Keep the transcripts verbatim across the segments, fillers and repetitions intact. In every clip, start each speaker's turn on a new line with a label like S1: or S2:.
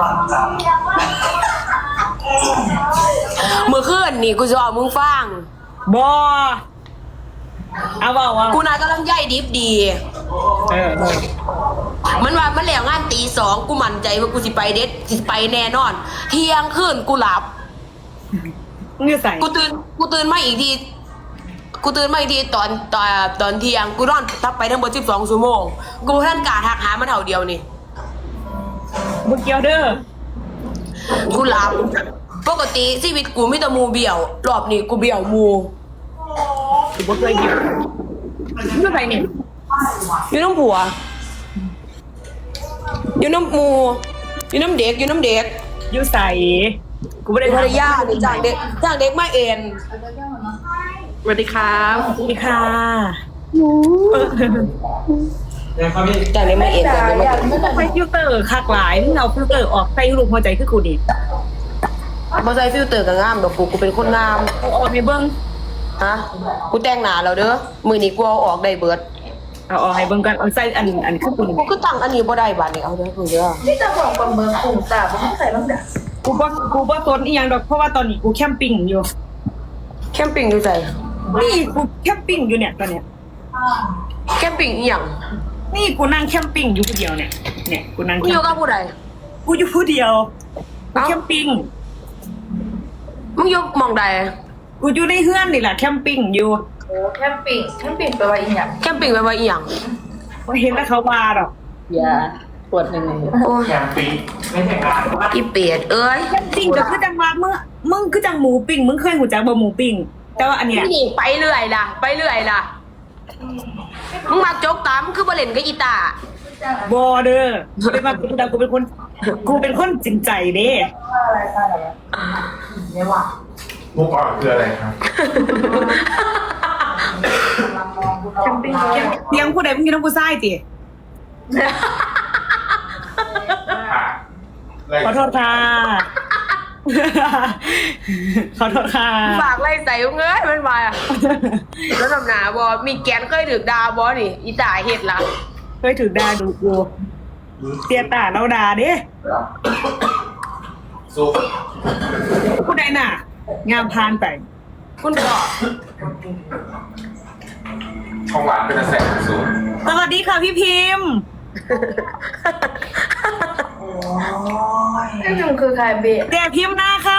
S1: เมื่อคืนนี่กูจะเอามึงฟัง
S2: บอเอาบอกว่า
S1: กูนายกำลังย่ายดิบดี
S2: เออ
S1: มันว่ามันแล้วงานตีสองกูมั่นใจว่ากูสิไปเด็ดสิไปแน่นอน เที่ยงคืนกูหลับ
S2: เงื่อใส่
S1: กูตื่นกูตื่นมาอีกทีกูตื่นมาอีกทีตอนตอนตอนเที่ยงกูนอนทับไปทั้งหมดสิบสองชั่วโมงกูท่านกาทักหามันเท่าเดียวนี่
S2: บุกเกียวเด้อ
S1: กูหลับปกติชีวิตกูมีแต่หมูเบี้ยวรอบนี้กูเบี้ยวหมู
S2: ถือว่าเคยเกียวเงื่อใส่เนี่ย
S1: อยู่น้ำผัวอยู่น้ำหมูอยู่น้ำเด็กอยู่น้ำเด็ก
S2: ยูใส่กูไม่ได้
S1: ภรรยาเนี่ยจ้างเด็กจ้างเด็กมาเอ็นสวัสดีครับ
S2: สวัสดีค่ะ
S1: จ้างเด็กมาเอ็นจ้างเด็กมาเอ็น
S2: ไฟฟิลเตอร์คักหลายมึงเอาฟิลเตอร์ออกใส่รูปหัวใจคือกูดิ
S1: มาใส่ฟิลเตอร์กับงามดอกกูกูเป็นคนงาม
S2: เอาออกให้เบิ้ง
S1: ฮะกูแต่งหน้าแล้วเด้อมือนี้กูเอาออกได้เบิด
S2: เอาออกให้เบิ้งกันเอาใส่อันอันคือกูดิ
S1: กูก็ตั้งอันนี้บ่ได้บาดนี้เอาเด้อกูเด้อ
S3: นี่จะบอกบะเบิร์กลุ่มตาบ่ต้องใส่บ้างเด้อ
S2: กูว่ากูว่าต้นอีหยังดอกเพราะว่าตอนนี้กูแคมปิ้งอยู่
S1: แคมปิ้งอยู่ใจ
S2: นี่กูแคมปิ้งอยู่เนี่ยตอนเนี้ย
S1: แคมปิ้งอีหยัง
S2: นี่กูนั่งแคมปิ้งอยู่คนเดียวเนี่ยเนี่ยกูนั่ง
S1: กูอยู่กับผู้ใด
S2: กูอยู่ผู้เดียวกู
S1: เอ้า
S2: แคมปิ้ง
S1: มึงอยู่หม่องใด
S2: กูอยู่ในเฮือนนี่แหละแคมปิ้งอยู่
S3: โอ้แคมปิ้งแคมปิ้งแปลว่าอีหยัง
S1: แคมปิ้งแปลว่าอีหยัง
S2: ว่าเห็นแล้วเขามาหรอก
S3: อย่าปวดหนึ่ง
S1: โอ้ย
S4: แคมปิ้งไม่ใช่งาน
S1: อีเป็ดเอ้ย
S2: แคมปิ้งก็คือจังว่าเมื่อมึงคือจังหมูปิ้งมึงเคยหูจักบ่หมูปิ้งแต่ว่าอันเนี้ย
S1: นี่ไปเรื่อยล่ะ ไปเรื่อยล่ะมึงมาจกตามคือบ่เล่นกับอีตา
S2: บอเด้อกูเป็นมากูแต่กูเป็นคนกูเป็นคนจริงใจเด้
S3: อะไรอะไรเนี่ยว่ะ
S4: มุกอ่อนคืออะไรครับ
S2: แคมปิ้งเตียงผู้ใดมึงอยู่น้ำผู้ชายติ
S4: ค่ะอะไร
S2: ขอโทษค่ะ ขอโทษค่ะ
S1: ฝากไล่ใส่มึงเอ้ยมันมาอะแล้วทำหนาบอมีแกนเคยถือดาบอนี่อีตาเฮ็ดละ
S2: เคยถือดาดูกูเตียตาเราดาเด้
S4: สู้
S2: ผู้ใดน่ะ งามพานไป
S1: คุณพ่อ
S4: ช่องหวานเป็นกระแสสูง
S2: สวัสดีค่ะพี่พิมพ์
S3: นี่มันคือใครเบะ
S2: เดี๋ยวพิมพ์หน้าค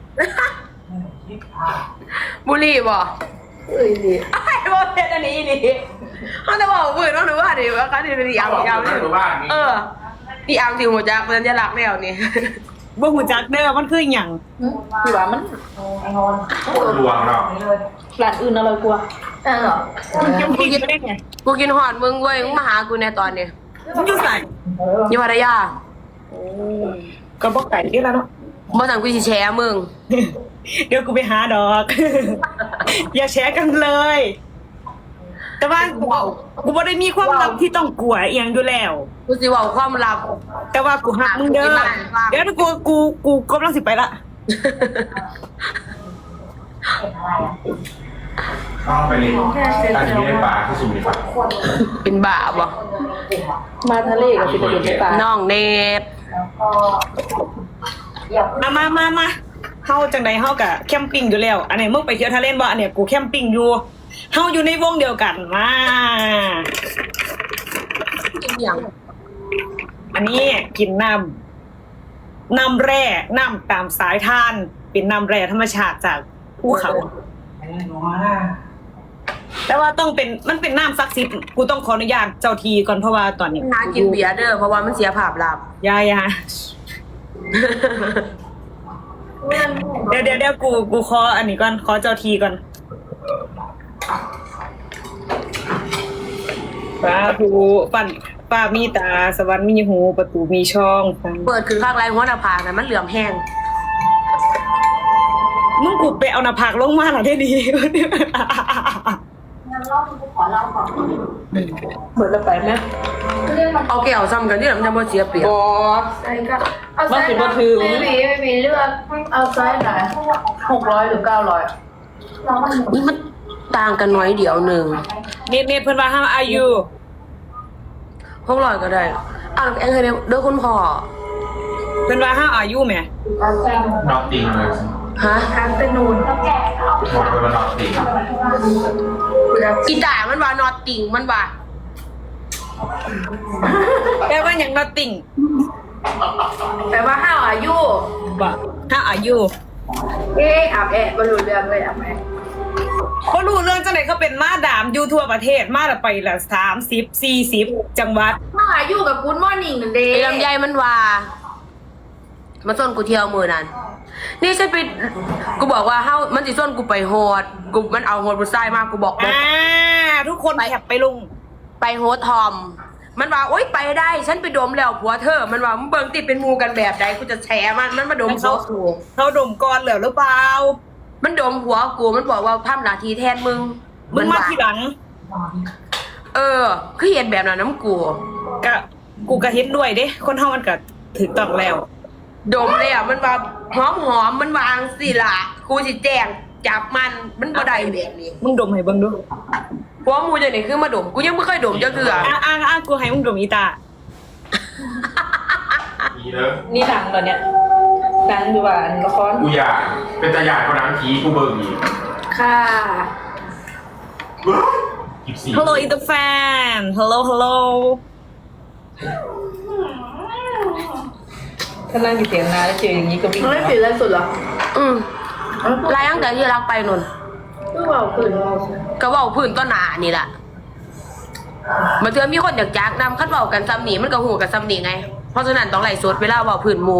S1: บุหรี่บอ
S3: เอ้ยดิ
S1: ไอ้บอเพชรอันนี้นี่เขาจะบอกปืนต้องรู้ว่าดิว่าเขาจะเป็นอีอังอีอัง
S4: ไม่รู้บ้านนี่
S1: เอออีอังที่หัวจักสัญลักษณ์แล้วนี่
S2: ำบ่หูจักเด้อมันคืออหย่าง
S3: พี่ว่ามัน
S4: คนลวงเนาะ
S3: ร้านอื่นอะไรกลัวอ่ะเหรอ
S2: มันจะพิมพ์ได้ไง
S1: กูกินหอดมึงเว้ยมึงมาหากูในตอนนี้
S2: มันอยู่ใส่
S1: อยู่พัทยา
S2: ก็บอกไก่ที่แล้วเนาะ
S1: บ่สั่งกูสิแชร์มึง
S2: เดี๋ยวกูไปหาดอก อย่าแชร์กันเลย แต่ว่ากูกูบ่ได้มีความลับที่ต้องกลัวเอียงอยู่แล้ว
S1: กูสิเว้าความลับ
S2: แต่ว่ากูหักมึงเด้อเดี๋ยวกูกูกูกำลังสิไปละ
S4: ต้องไปเรียนการที่ได้ปลาที่สุริฝัน
S1: เป็นบ้าบ่
S3: มาทะเลกับพี่ตะเกียบในป่า
S1: น้องเนต
S2: มามามามาเฮาจังใดเฮากะแคมปิ้งอยู่แล้ว อันนี้มึงไปเที่ยวทะเลบ่อันเนี้ยกูแคมปิ้งอยู่เฮาอยู่ในวงเดียวกันมา
S1: กินอย่าง
S2: อันนี้กินน้ำน้ำแร่น้ำตามสายทาน เป็นน้ำแร่ธรรมชาติจากภูเขา แต่ว่าต้องเป็นมันเป็นน้ำศักดิ์สิทธิ์กูต้องขออนุญาตเจ้าทีก่อนเพราะว่าตอนนี้
S1: น้ากินเบียร์เด้อเพราะว่ามันเสียภาพลับ
S2: ยายาเดี๋ยวเดี๋ยวเดี๋ยวกูกูขออันนี้ก่อนขอเจ้าทีก่อนป้าผูปั่นป้ามีตาสวรรค์มีหูประตูมีช่อง
S1: เปิดคือข้างไรหัวหน้าผากนะมันเหลือมแห้ง
S2: มึงกูไปเอาหน้าผากลงมาหน่อยได้ดี
S3: เหมือนเราไปไหม
S1: เอาแก้วซ้ำกันที่มันจะบ่เสียเปรียบ
S2: บอ
S3: ใช่ก็เอาไซส์ไม่มีไม่มีเลือกเอาไซส์ไหนหกร้อยหรือเก้าร้อย
S1: มันต่างกันน้อยเดียวหนึ่ง
S2: เน็ตเน็ตเพิ่นว่าห้ามอายุ
S1: หกร้อยก็ได้อ้าวแองเคยเด้อคุณพ่อ
S2: เป็นว่าห้าอายุไหม
S4: นอกติงเลย
S1: ฮะ
S3: ทางตะนูน
S4: บอกไปว่านอกติง
S1: อีตามันว่านอตติงมันว่า
S2: แปลว่าอย่างนอติ่ง
S3: แต่ว่าห้าวอายุ
S2: บ่ห้าอายุ
S3: เอ๊ะอาบแอะบรรลุเรื่องเลยอาบแอะ
S2: เขารู้เรื่องจังไหนเขาเป็นมาดามอยู่ทั่วประเทศมาละไปละสามสิบสี่สิบจังหวัด
S3: ห้าวอายุกับคุณมอร์นิ่งนั่นเด้
S1: ไอ้ลำไยมันว่ามันส้นกูเที่ยวมือนั้นนี่ฉันไปกูบอกว่าเฮ้ามันสิส้นกูไปโฮดกูมันเอาโฮดบุษายมากกูบอก
S2: อ่าทุกคนแคปไปลง
S1: ไปโฮดทอม มันว่าโอ๊ยไปได้ ฉันไปดมแล้วผัวเธอ มันว่ามึงเบิ่งติดเป็นหมูกันแบบใดกูจะแฉมันมันมาดมผัวกู
S2: เขาดมก่อนเหรอหรือเปล่า
S1: มันดมผัวกูมันบอกว่าทำหน้าที่แทนมึง
S2: มึงมา
S1: ว่
S2: ทีหลัง
S1: เออคือเห็นแบบนั้นน้ำกู
S2: ก็กูก็เห็นด้วยเด้คนเฮามันก็ถึงต้องแล้ว
S1: ดมเลยอ่ะมันว่าหอมหอมมันวางสิล่ะกูสิแจ้งจับมันมันบ่ได้แบบนี้
S2: มึงดมให้เบิ่งดู
S1: ผัวมูจะไหนคือมาดมกูยังไม่เคยดมเจ้าเถื่อ
S2: อ่ะอ่ะอ่ะกูให้มึงดมอีตา
S4: ผีเด้อ
S3: นี่หนังเหรอเนี่ยหนังดูว่าละคร
S4: กูอยากเป็นตาหยาดคนนั้นผีกูเบิ่งอีก
S3: ค่ะ
S4: อีกสี่
S2: Hello it's the fan Hello Hello
S5: ถ้านั่งอยู่เสียงนาแล้วเจออย่างนี้ก็วิ่ง
S3: มันไม่ผิดอะไรสุดเหรอ
S1: อืมไล่ตั้งแต่ที่รักไปนน
S3: ก็บอกคืน
S1: ก็เว่าพื้นต้นหนานี่แหละมาเจอมีคนอยากจักนำคัดเบากันซ้ำหนีมันก็หูกันซ้ำหนีไง เพราะฉะนั้นต้องไล่สดเวลาเบาพื้นหมู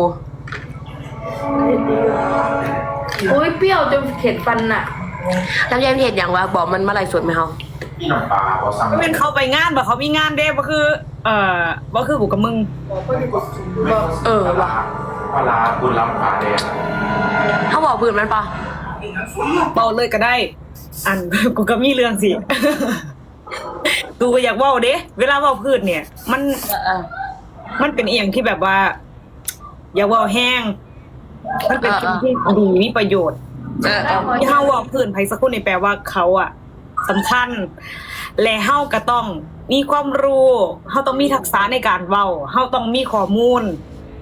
S3: อุ้ยเปรี้ยวจนเข็ดฟันน่ะ
S1: แล้วยายเห็นอย่างว่าบอกมันมาไล่สดไหมเฮา
S4: พี่น้ำปลาพอซ้ำ
S2: ก็เป็นเขาไปงานบ่เขามีงานเด้บ่คือ เอ่อบ่คือกูกับมึง
S1: เออ
S4: ปลาร้าปลาร้าคุณรับปลาแดง
S1: เขาบอกพื้นมันปะ
S2: เบาเลยก็ได้ อัน กูก็มีเรื่องสิ กูก็อยากเว้าเด้เวลาเว้าพืชเนี่ย มัน
S1: เออ
S2: มันเป็นอีหยังที่แบบว่า อย่าเว้าแห้ง มันเป็นสิ่งที่ดีมีประโยชน์
S1: เออเออ
S2: ที่เฮาเว้าพื้นไผสักคนนี่แปลว่าเขาอะสำคัญ และเฮาก็ต้องมีความรู้เฮาต้องมีทักษะในการเว้าเฮาต้องมีข้อมูล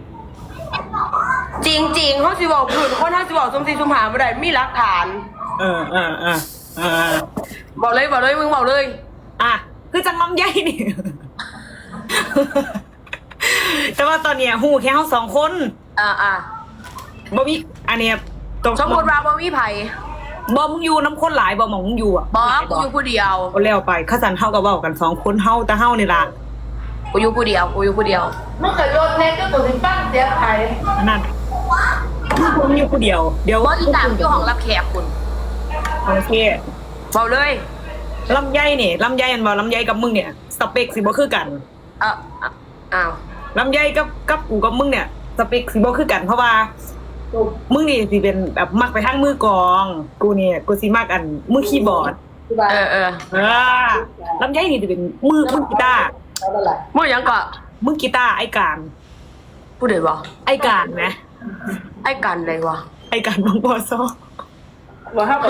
S1: จริงจริงๆเขาสิบอกพื้นคนเขาสิบอกสมศรีสุมหาไม่ได้มีหลักฐาน
S2: เออเออเออเออ
S1: บอกเลยบอกเลยมึงบอกเลย
S2: อ่ะคือจังลำใหญ่นี่ แต่ว่าตอนเนี้ยหูแค่เฮาสองคน
S1: อ่าอ่า
S2: บ่มีอันเนี้ยตรง
S1: สมมติว่าบ่มีไผ
S2: บ่มึงอยู่น้ำคนหลายบ่หมองมึงอยู่อ่ะ
S1: บอกกูอยู่ผู้เดียว
S2: เอาแล้วไปข้าสันเฮาก็เว้ากันสองคนเฮาแต่เฮานี่ล่ะ
S1: กูอยู่ผู้เดียวกูอยู่ผู้เดียว
S3: เมื่อเกิดรถเน็ตก็ตัวที่ปั้งเสียหาย
S2: อันนั่นมึงอยู่ผู้เดียว เดี๋ยว
S1: ว่าอีตามอยู่ห้องรับแขกคุณ
S2: โอเค
S1: บอกเลย
S2: ลำไยนี่ลำไยอันบ่ลำไยกับมึงเนี่ยสเปคสิบ่คือกัน
S1: เอออ่ะอ้าว
S2: ลำไยกับกับกูกับมึงเนี่ยสเปคสิบ่คือกันเพราะว่ามึงนี่สิเป็นแบบมักไปทางมือกลอง กูเนี่ยกูสิมักอันมือคีย์บอร์ด
S1: เออเออ
S2: เออลำไยนี่สิเป็นมือมือกีตาร์
S5: แล้วอะไร
S1: มึงยังก็
S2: มือกีตาร์ไอ้การ
S1: ผู้ใดวะ
S2: ไอ้การนะ
S1: ไอ้กันเลยวะ
S2: ไอ้การน้องบอซอ
S5: ว่าห้ากับ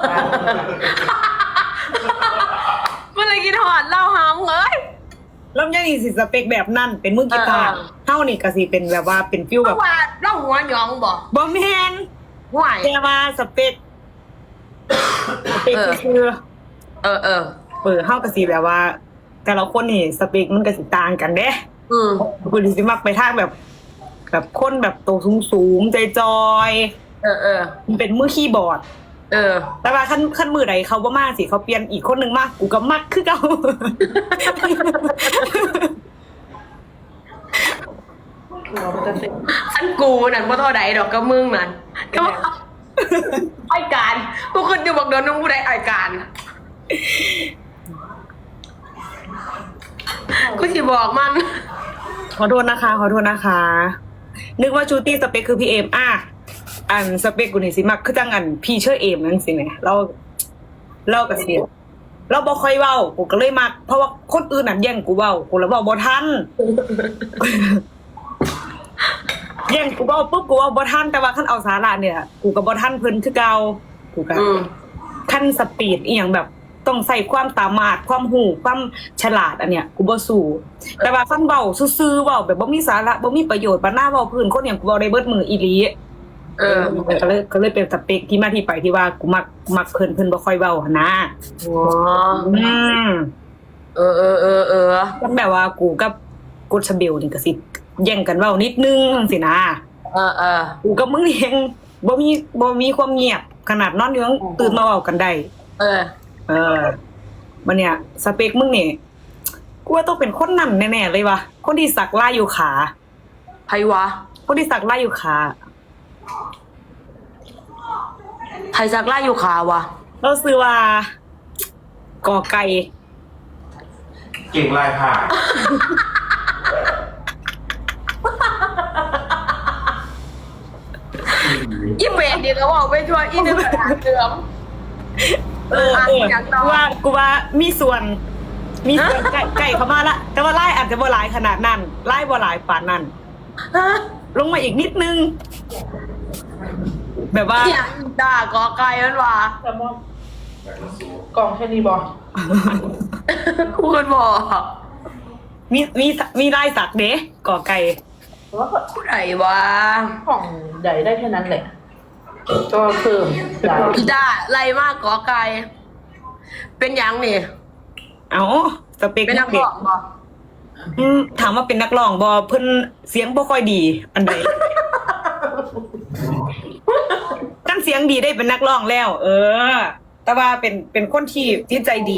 S1: มันเลยกินหอดเหล่าหามเอ้ย
S2: ลำไยนี่สิสเปคแบบนั่นเป็นมือกีตาร์
S1: เออ
S2: เฮานี่ก็สิเป็นแบบว่าเป็นฟิล
S1: เพ
S2: แบบ
S1: ราะว่าเล่าหัวหยองบ่
S2: บ่แม่น
S1: ห่วย
S2: แต่ว่าสเปคสเปค
S1: เออ
S2: คือ
S1: เออเออ
S2: เออเฮาก็สิแบบว่า แต่ละคนนี่สเปคมันก็สิต่างกันเด้
S1: อืม
S2: กูสิมักไปทางแบบ แบบคนแบบโตวสูงๆใจจอย
S1: เออเออ
S2: ๆมันเป็นมือคีย์บอร์ด
S1: เออ
S2: แต่ว่าขั้นขั้นมือใดเขาบ่มาสิเขาเปลี่ยนอีกคนหนึ่งมากกูก็มักคือเก่า
S5: หัวมันจะเสร็จ
S1: อันกูนั่นบ่เท่าใดดอกก็มึงนั่นก็ว่าไอ้การกูขึ้นอยู่บอกโดนน้องผู้ใดไอ้การกูสิบอกมัน
S2: ขอโทษนะคะ ขอโทษนะคะ นึกว่าชูตี้สเปคคือพี่เอมอ่ะอันสเปคกูนี่สิมักคือจังอันพี่เชื่อเอมนั่นสิเนี่ยเราเราก็เสียเราบ่ค่อยเว้ากูก็เลยมักเพราะว่าคนอื่นนั่นแย่งกูเว้ากูแล้วเว้าบ่ทัน แย่งกูเว้าปุ๊บกูเว้าบ่ทันแต่ว่าคันเอาสาระเนี่ยกูก็บ่ทันเพิ่นคือเก่ากูก็
S1: อืม
S2: ขั้นสปีดอีหยังแบบต้องใส่ความสามารถความหูความฉลาดอันเนี้ยกูบ่สู้แต่ว่าคันเว้าซื่อๆเว้าแบบบ่มีสาระบ่มีประโยชน์บ่น่าเว้าพื้นคนอย่างกูเว้าได้เบิดมืออีหลี
S1: เออ
S2: ก็เลยก็เลยเป็นสเปคที่มาที่ไปที่ว่ากูมักมักเพิ่นเพิ่นบ่ค่อยเว้าหั่นนะ
S1: อ๋อ
S2: อืม
S1: เออเออเออเออ
S2: มันแบบว่ากูกับกูชาเบลนี่ก็สิแย่งกันเว้านิดนึงจังซี่นะ
S1: เออเออ
S2: กูกับมึงนี่ยังบ่มีบ่มีความเงียบขนาดนอนอยู่ยังตื่นมาเว้ากันได้
S1: เออ
S2: เออมันเนี่ยสเปคมึงนี่กูว่าต้องเป็นคนนั่นแน่ๆเลยว่ะคนที่สักลายอยู่ขา
S1: ไผวะ
S2: คนที่สักลายอยู่ขา
S1: ไผสักไล่อยู่ขาวะ
S2: เราซื้อว่ากอไก่
S4: เก่งลายผ้า
S1: อีเมดเดี๋ยวก็บอกไปทัวร์อีนึงหาเดิม
S2: เออเออกูว่ากูว่ามีส่วน มีส่วนไก่ไก่เข้ามาละแต่ว่าไล่อาจจะบ่หลายขนาดนั้นไล่บ่หลายปานนั้น
S1: ฮะ
S2: ลงมาอีกนิดนึง แบบว่า
S1: อย่างด่ากอไก่มันวะ
S5: แซลมอนกล่องแค่นี้บอ
S1: กูคนบอก
S2: มีมีมีลายสักเด้กอไก่
S5: แต่ว่าก็
S1: ผู้ไหนวะ
S5: กล่องใหญ่ได้แค่นั้นแหละก็เพิ่มใหญ่
S1: อีด่าไล่มากกอไก่เป็นหยังนี่
S2: เอาสเปค
S1: เป็นนัก
S2: เด็
S1: ร้
S2: ก
S1: องบ่
S2: อืมถามว่าเป็นนักร้องบ่เพิ่นเสียงบ่ค่อยดี อันใด กันเสียงดีได้เป็นนักร้องแล้ว เออ แต่ว่าเป็นเป็นคนที่ที่ใจดี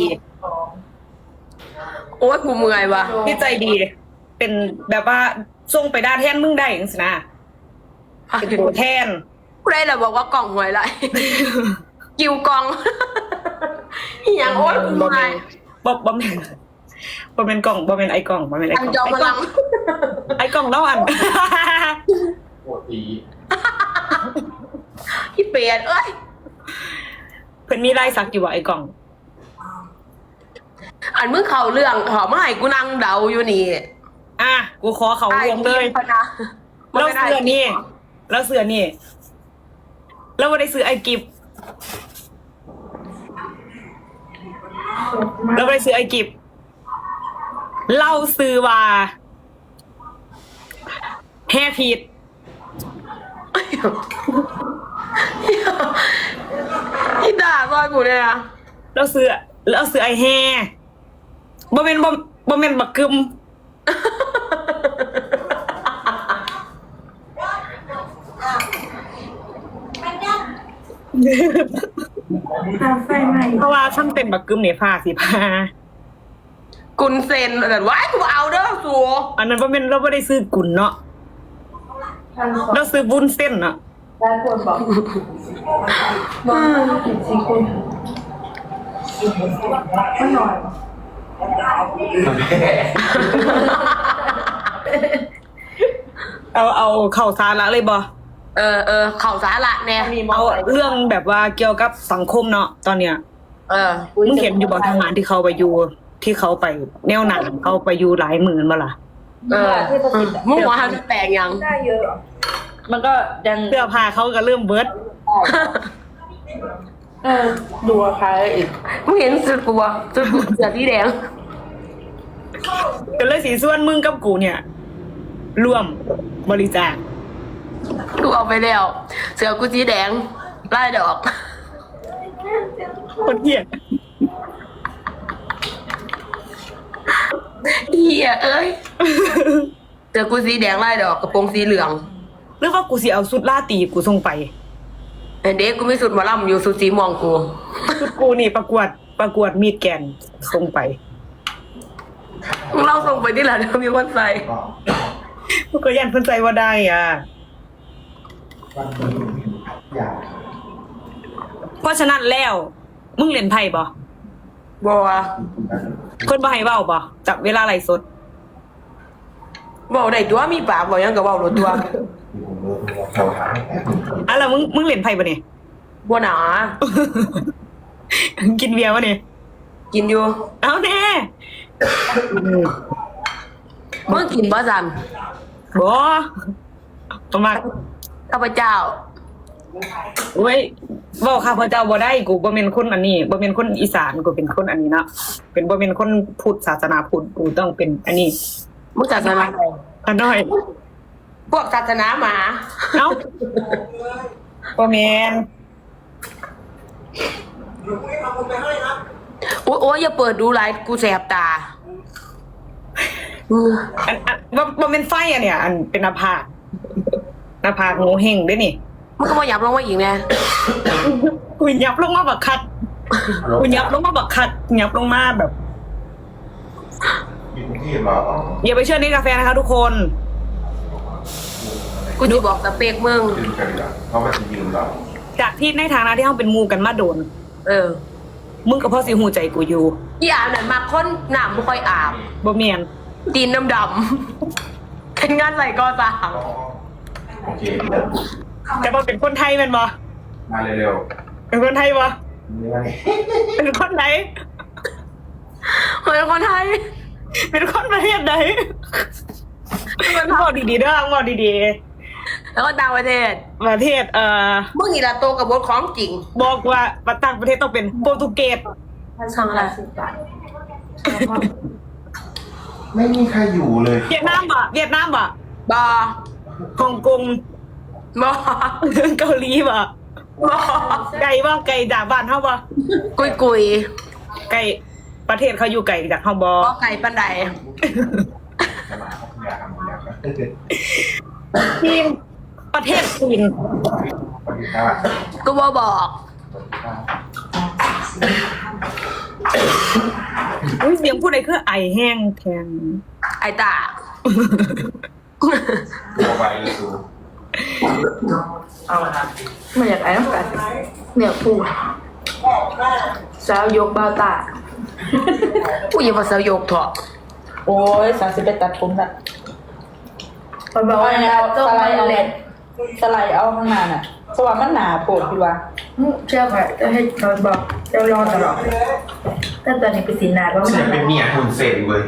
S1: โอ้ยกูเมื่อยวะ
S2: ที่ใจดี เป็นแบบว่าส่งไปด้านแทนมึงได้จังซี่นะเป็นตัวแทน
S1: ผู้ใดเราบอกว่ากล่องหวยไร กิวกล่อง อีหยังโอ้ยกูเมื่อย
S2: บ่บ่แม่นบ่แม่นกล่องบ่แม่นไอ้กล่องบ่แม่นไอ้
S1: อัน
S2: กล่อง
S1: จอมพลัง
S2: ไอ้กล่องเล่าอัน
S4: ปวดตี
S1: พี่เปียดเอ้ย
S2: เพิ่นมีลายสักอยู่ว่าไอ้กล่อง
S1: อันมึงเข่าเรื่องขอมาให้กูนั่งเดาอยู่นี่
S2: อ่ะกูขอเขารวมเลย
S1: พนะ
S2: แล้วเสื้อนี่แล้วเสื้อนี่แล้วบ่ได้ซื้อไอ้กิฟแล้วบ่ได้ซื้อไอ้กิฟเล่าซื้อว่าแฮพีด
S1: อีด่าซอยกูเนี่ยนะ
S2: แล้วซื้อแล้วซื้อไอ้แฮบ่แม่นบ่บ่แม่นบักกึม เพราะว่าช่างเป็นบักกึมเนี่ยผ้าสีผ้า
S1: กุนเซนแต่ว่ากูเอาเด้อสัว
S2: อันนั้นบ่แม่นเราบ่ได้ซื้อกุนเนาะเราซื้อบุญเส้นเนาะ
S5: ได้คนบอกบอกว่าผิดสิคุณไม่หน่อย
S2: เอาเอาเข้าสาระเลยบ่
S1: เออเออเข่าสาระแน่
S5: มีมอ
S2: เอา
S5: ไซค์
S2: เรื่องแบบว่าเกี่ยวกับสังคมเนาะตอนเนี้ย
S1: เออ
S2: มึงเห็นอยู่บ่ทหารที่เขาไปอยู่ที่เขาไปแนวหนังเขาไปอยู่หลายหมื่นบ่ล่ะ
S1: เออมึงว่าเขาจะแปลงยัง
S5: ได้เยอะ มันก็ยัง
S2: เสื้อผ้าเขาก็เริ่มเบิด
S5: เออดูราคาอีก
S1: มึงเห็นสุดกูวะสุดกูเสือที่แดง
S2: ก็เลยสิส่วนมึงกับกูเนี่ย ร่วมบริจาค
S1: กูเอาไปแล้ว เสือกูสีแดงไล่ดอก
S2: คนเหี้ย
S1: เฮียเอ้ยเสือกูสีแดงไล่ดอกกระโปรงสีเหลือง
S2: หรือว่ากูสิเอาสุดล่าตีกูส่งไป
S1: เห็นเด็กกูมีสุดหมาล่ำอยู่สุดสีม่วงกู
S2: ชุดกูนี่ประกวดประกวดมีดแกนส่งไป
S1: มึงเล่าส่งไปที่ไหนเดี๋ยวมีคนใส่
S2: กูก็ยันเพิ่นใจว่าได้อ่ะ เพราะฉะนั้นแล้ว มึงเล่นไพ่บ่
S1: บัว
S2: เพิ่นบ่ให้เว้าบ่จับเวลาไลฟ์สด
S1: บอกได้ตัวมีปากบอกยังกับบอกรถตัว
S2: อ่ะแล้วมึงมึงเล่นไพ่บ่เนี่ย
S1: บัวหนา
S2: กินเบียร์บ่เนี่ย
S1: กินอยู่
S2: เอาแน่
S1: มึงกินบ่สัน
S2: บ่ประมาณ
S1: ข้าพเจ้า
S2: เว้ยบอกค่ะพระเจ้าบ่ได้กูบ่เป็นคนอันนี้บ่เป็นคนอีสานกูเป็นคนอันนี้เนาะเป็นบ่เป็นคนพุทธศาสนาพุทธกูต้องเป็นอันนี้
S1: มึงศาสนาอะไร
S2: อันน้อย
S1: พวกศาสนาหมา
S2: เอ้าบ่แม่น
S1: โอ้ยโอ้ยอย่าเปิดดูไลฟ์กูแสบตาอือ
S2: อันอันบ่บ่เป็นไฟอันเนี่ยอันเป็นหน้าผากหน้าผากโง่เฮงเด้นี่
S1: มึงก็มาหยับลงมาอีกไง
S2: กูยับลงมาบักคัดกูยับลงมาบักคัดยับลงมาแบบ
S4: อยู่กรุงเทพเหรอ
S2: อย่าไปเชื่อนี่กาแฟนะคะทุกคน
S1: กูจะบอกสเปกมึง
S4: ยืมกันดีกว่าเพราะมันจะยืมเรา
S2: จากที่ในฐานะที่เราเป็นหมูกันมาโดน
S1: เออ
S2: มึงกับพ่อสิหูใจกูอยู่
S1: อีอาบนั่นมาค้นหนามไม่ค่อยอาบ
S2: บ่เมียน
S1: ตีนดำดำๆเป็นงานใส่กอสาม
S4: โอเค
S2: แต่บ่เป็นคนไทยแม่นบ่
S4: มาเร็ว
S2: เป็นคนไทยบ่
S4: ๆนี่ไง
S2: เป็นคนไหน
S1: เป็นคนไทย
S2: เป็นคนประเทศไหนมันบอกดีๆเด้อบอกดี
S1: แล้วก็ต่างประเทศ
S2: ๆประเทศเอ่อ
S1: มึงนี่ละโตกับบทของจริง
S2: บอกว่าต่างประเทศต้องเป็นโปรตุเกส
S1: สั่งอะไร
S4: ไม่มีใครอยู่เลย
S2: เวียดนามบ่เวียดนามบ่
S1: บอ
S2: ฮ่องกง
S1: บอ
S2: เกาหลีบ่
S1: บอ
S2: ไก่บ่ไก่จากบ้านเฮาบ่
S1: กุยกุย
S2: ไก่ประเทศเขาอยู่ไก่จากเฮาบ่
S1: บอไก่ปันได
S4: จะมาเขาอยากทำอยากนะ
S2: ทีมประเทศจีน
S4: สวัสดีครับ
S1: กูบอบอก
S2: อุ้ยเสียงผู้ใดคือไอแห้งแทน
S1: ไอตา
S4: ตัวไปเลยสู
S3: เอาละนะไม่อยากไอ้น้ำกันเนี่ยปูสาวยกเบาตา
S1: กูอย่ามาเสายกเถอะ
S5: โอ้ยสามสิบเอ็ดตัดผมละ
S3: มันบอกว่า
S5: เอา
S3: เรา
S5: ส
S3: ต้อง
S5: ไล
S3: มา
S5: ด์เอา
S3: เล่น
S5: สไลด์เอาข้างหน้าน่ะเพราะว่ามันหนาโผล่พี่ว่า
S3: เชื่อไหมจะให้เราบอกจะรอตลอดแต่ตอนนี้เป็นสีนาว่า
S4: ฉันเป็นเมียหุ่นเซนเว้ย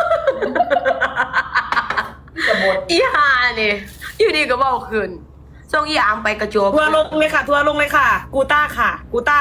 S1: อีหานี่อยู่ดีก็บอกคืนส่งอีอามไปกระโจบ
S2: ทัวร์ลงเลยค่ะทัวร์ลงเลยค่ะ กูต้าค่ะ กูต้า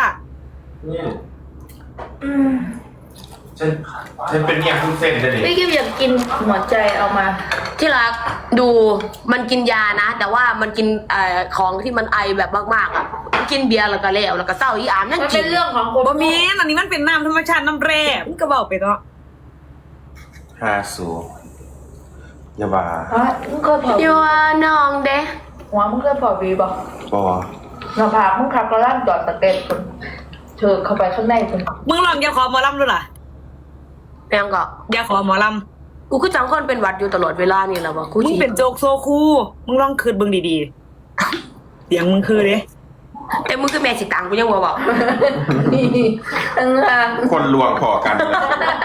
S4: ฉันฉันเป็นเมียหุ่นเซนเลย
S3: พี่กิฟอยากกินหมอนใจเอามา
S1: ที่รักดูมันกินยานะ แต่ว่ามันกินเอ่อของที่มันไอแบบมากๆอ่ะกินเบียร์แล้วก็แล้วแล้วก็เศร้าอีอามนั่น
S3: มัน
S1: กิ
S3: เป็น นเรื่องของคน
S2: บ่มีอันนี้มันเป็นน้ำธรรมชาติน้ำแร่มันก็บอกไปเนาะ
S4: ฮาสูอย่าบ้า
S3: อ๋อมึงเคยเผา
S1: อยู่ว่าน้องเด้
S3: หัวมึงเคยเผาวีบอก
S4: บอ
S3: หน้าผากมึงขับกระล่างจอดตะเกียบคนเธอเข้าไปข้างในคน
S2: มึงลองอย่าขอหมอลำดูล่ะ
S1: แม่งก็
S2: อย่าขอหมอล
S1: กูคือจังคนเป็นหวัดอยู่ตลอดเวลานี่แหละวะกู
S2: ำมึง
S1: ฉี
S2: เป็นโจกโซคูมึงลองคืนเบิ่งดีๆเสียงมึงคือเด้
S1: แต่มึงคือแม่สิตังกูยังบ่บอก
S3: นี่ตั้งห่าง
S4: คนลวงพอกันเลย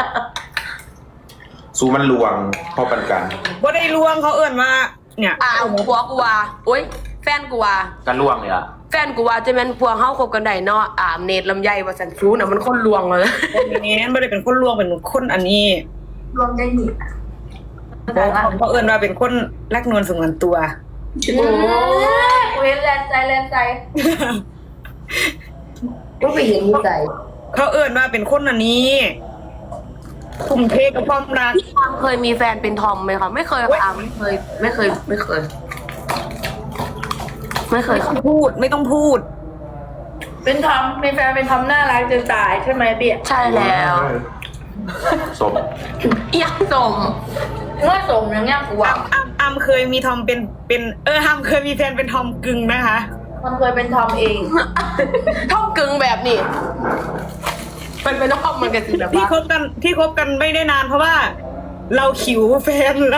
S4: สูมันลวงพอปันกัน
S2: บ่ได้ลวงเขาเอื้อนมาเนี่ย
S1: อ้าวผัวกูว่าโอ๊ยแฟนกูว่า
S4: กันลวงเลยอ่ะ
S1: แฟนกูว่าจะแม่นพวงเฮาคบกันได้เนาะอ่ามเนตรลำไยว่าสันซูน่ะมันคนลวงเลย
S2: นี่บ่ได้เป็นคนลวงเป็นคนอันนี้
S3: รวมได้หนิ
S2: เขาเอื้อนมาเป็นคนรักนวลสงวนตัว
S3: โอ้ยเว้นแลนใจแลนใจ
S1: ก็ไปเห็นหัวใจ
S2: เขาเอื้อนมาเป็นคนอันนี้ทุ่มเทกับความรัก
S1: พี่อามเคยมีแฟนเป็นทอมไหมคะไม่เคยค่ะอามไม่เคย ไม่เคย ไม่เคย ไม่เคย
S2: ไม่ต้
S1: ค่ะ
S2: องพูดไม่ต้องพูด
S3: เป็นทอมเป็นแฟนเป็นทอมน่ารักจะตายใช่ไหมเบี้ย
S1: ใช่แล้ว
S4: ศพ
S1: ยังสม
S3: เมื่อสมอย่างเงี้ยกูว่า
S2: อ้ำอ้ำเคยมีทอมเป็นเป็นเอออ้ำเคยมีแฟนเป็นทอมกึ่งนะคะ
S3: มันเคยเป็นทอมเอง
S1: ท่อมกึ่งแบบนี้มันเป็นท่อมมันกันสิแบบ
S2: ที่
S1: ว่า
S2: คบกันที่คบกันไม่ได้นานเพราะว่า เราขิวแฟนเรา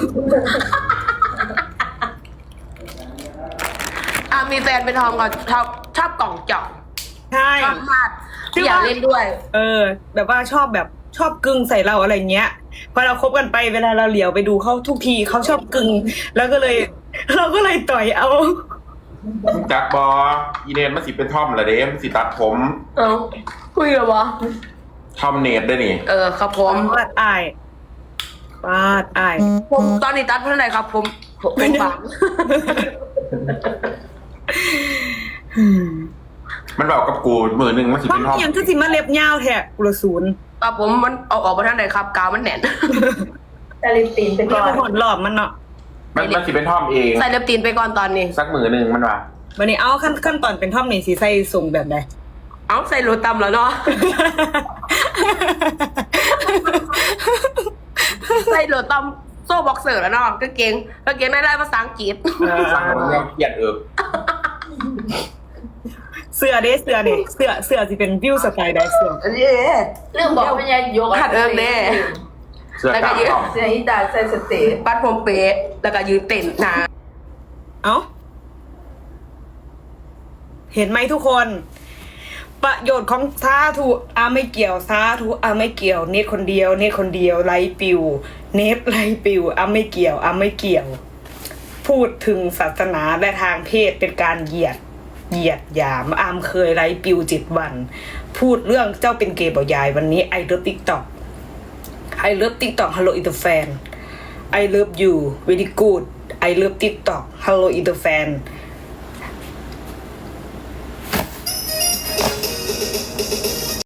S1: อ่ะมีแฟนเป็นทอมก็ชอบชอบกล่องเจาะ
S2: ใช่
S1: ชอบมากอยากเล่นด้วย
S2: เออ แบบว่าชอบแบบชอบกึ่งใส่เราอะไรเงี้ยพอเราคบกันไปเวลาเราเหลียวไปดูเขาทุกทีเขาชอบกึ่งแล้วก็เลย เราก็เลยต่อยเอา
S4: จักบออีเนนมันสิเป็นท่อมละเด้มันสิตัดผม
S1: เอ้าคุยเหรอวะ
S4: ท่อมเนตได้นี่
S1: เออครับผม
S2: ปาดอายปาดอาย
S1: ผมตอนนี้ตัดเท่าไหร่ครับ ผมผมผมฝัง
S4: มันกูมือหนึ่งมันสิ
S2: เพราะ
S4: เป็น
S2: มั
S4: ท่
S2: น
S4: อม
S2: ยังคือสิมาเล็บยาวแท้กุละศูนย์
S1: อ่ะผมมันเอาออกมาทางไหนครับกาวมันแน่น
S3: แต่ลิปตีนไป
S2: เรี
S3: ก่
S2: ย
S3: อก น
S2: ว่าหดหลอบมันเนาะ
S4: มันมันสิเป็นท่อมเอง
S1: ใส่เล็บตีนไปก่อนตอนนี้
S4: สักมือหนึ่งมันว่า
S2: วันนี้เอาขั้นขั้นตอนเป็นท่อมนี่สีใส่ส่งแบบใด
S1: เอาใส่โรตำแล้วเนาะ ใส่โรตำโซ่บ็อกเซอร์แล้วเนาะกางเกงกางเกงได้ไล่ภาษาอังกฤษ
S4: สั่งมันยังเกลียดเอิบ
S2: เสื้อเด้เสื้อนี่เสื้อเสื้อสิเป็นวิวสไตล์ใดเสื้อ
S1: เย้
S3: เรื่องบอกไม่ยายก
S1: ขัดเอิงแน่
S4: เสื้อกล้ามท่อม
S3: เสียอีตาใส่สเตย์
S1: ปัดผมเป๊ะแล้วก็ยืนเต้นนะ
S2: เอ้าเห็นไหมทุกคน ประโยชน์ของสาธุอาไม่เกี่ยวสาธุอาไม่เกี่ยว เน็ตคนเดียว เน็ตคนเดียวไลฟ์ปิว เน็ตไลฟ์ปิวอาไม่เกี่ยวอาไม่เกี่ยว พูดถึงศาสนาและทางเพศเป็นการเหยียด เหยียดหยามอามเคยไลฟ์ปิวจิตวัน พูดเรื่องเจ้าเป็นเกย์บ่ยายวันนี้ไอเลิฟติ๊กต็อกไอเลิฟติ๊กต็อกฮัลโหลอินเตอร์แฟน I love you very good I love TikTok Hello Ether fan